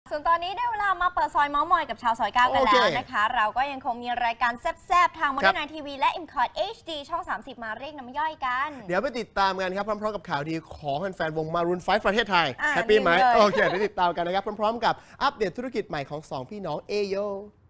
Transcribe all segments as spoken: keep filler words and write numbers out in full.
ส่วนตอนนี้ได้เวลามาเปิดซอยเมาส์มอยกับชาวซอยเก้ากันแล้วนะคะเราก็ยังคงมีรายการแซ่บๆทางมอเตอร์ไนทีวีและ เอ็ม คอร์ด เอช ดี ช่องสามสิบมาเรียกน้ำย่อยกันเดี๋ยวไปติดตามกันครับพร้อมๆกับข่าวดีของแฟนๆวง Maroon ไฟว์ ประเทศไทยแฮปปี้ไหมโอเคเดี๋ยวติดตามกันนะครับพร้อมๆกับอัปเดตธุรกิจใหม่ของสองพี่น้องเอโย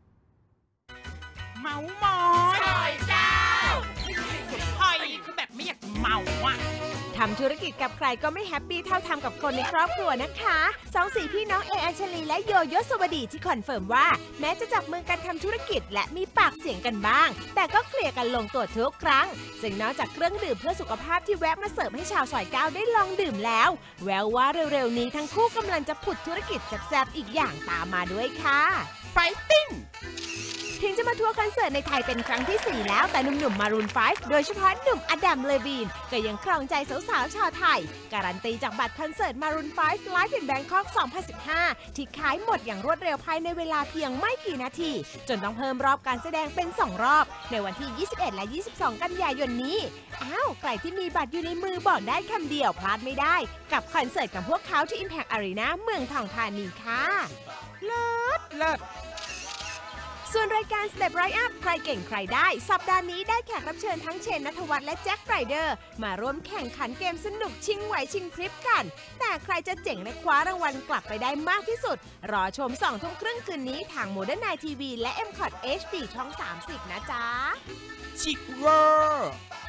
เมาส์มอยซอยเก้าเฮ้ยคือแบบไม่อยากเมาอ่ะทำธุรกิจกับใครก็ไม่แฮปปี้เท่าทำกับคนในครอบครัวนะคะสองสี่พี่น้องเออัญชลีและโยโย่สวัสดีที่คอนเฟิร์มว่าแม้จะจับมือกันทำธุรกิจและมีปากเสียงกันบ้างแต่ก็เคลียร์กันลงตัวทุกครั้งซึ่งนอกจากเครื่องดื่มเพื่อสุขภาพที่แวะมาเสิร์ฟให้ชาวซอยเก้าได้ลองดื่มแล้วแววว่าเร็วๆนี้ทั้งคู่กำลังจะผุดธุรกิจแซ่บๆอีกอย่างตามมาด้วยค่ะไฟติ้งถึงจะมาทัวร์คอนเสิร์ตในไทยเป็นครั้งที่สี่แล้วแต่หนุ่มๆ Maroon ไฟว์ โดยเฉพาะหนุ่มอดัม เลวีนก็ยังครองใจสาวๆชาวไทยการันตีจากบัตรคอนเสิร์ต Maroon ไฟว์ Live in Bangkok สองพันสิบห้าที่ขายหมดอย่างรวดเร็วภายในเวลาเพียงไม่กี่นาทีจนต้องเพิ่มรอบการแสดงเป็นสองรอบในวันที่ยี่สิบเอ็ดและยี่สิบสองกันยายนนี้อ้าวใครที่มีบัตรอยู่ในมือบอกได้คำเดียวพลาดไม่ได้กับคอนเสิร์ตกับพวกเขาที่ Impact Arena เมืองทองธานีค่ะเลิศเลิศส่วนรายการ Step Right Up ใครเก่งใครได้สัปดาห์นี้ได้แขกรับเชิญทั้งเชนณัฐวัฒน์และแจ็คไรเดอร์มาร่วมแข่งขันเกมสนุกชิงไหวชิงพริบกันแต่ใครจะเจ๋งและคว้ารางวัลกลับไปได้มากที่สุดรอชมสองทุ่มครึ่งคืนนี้ทาง Modern Night ที วี และ เอ็ม คอร์ด เอช ดี ช่องสามสิบนะจ๊ะชิคเวอร์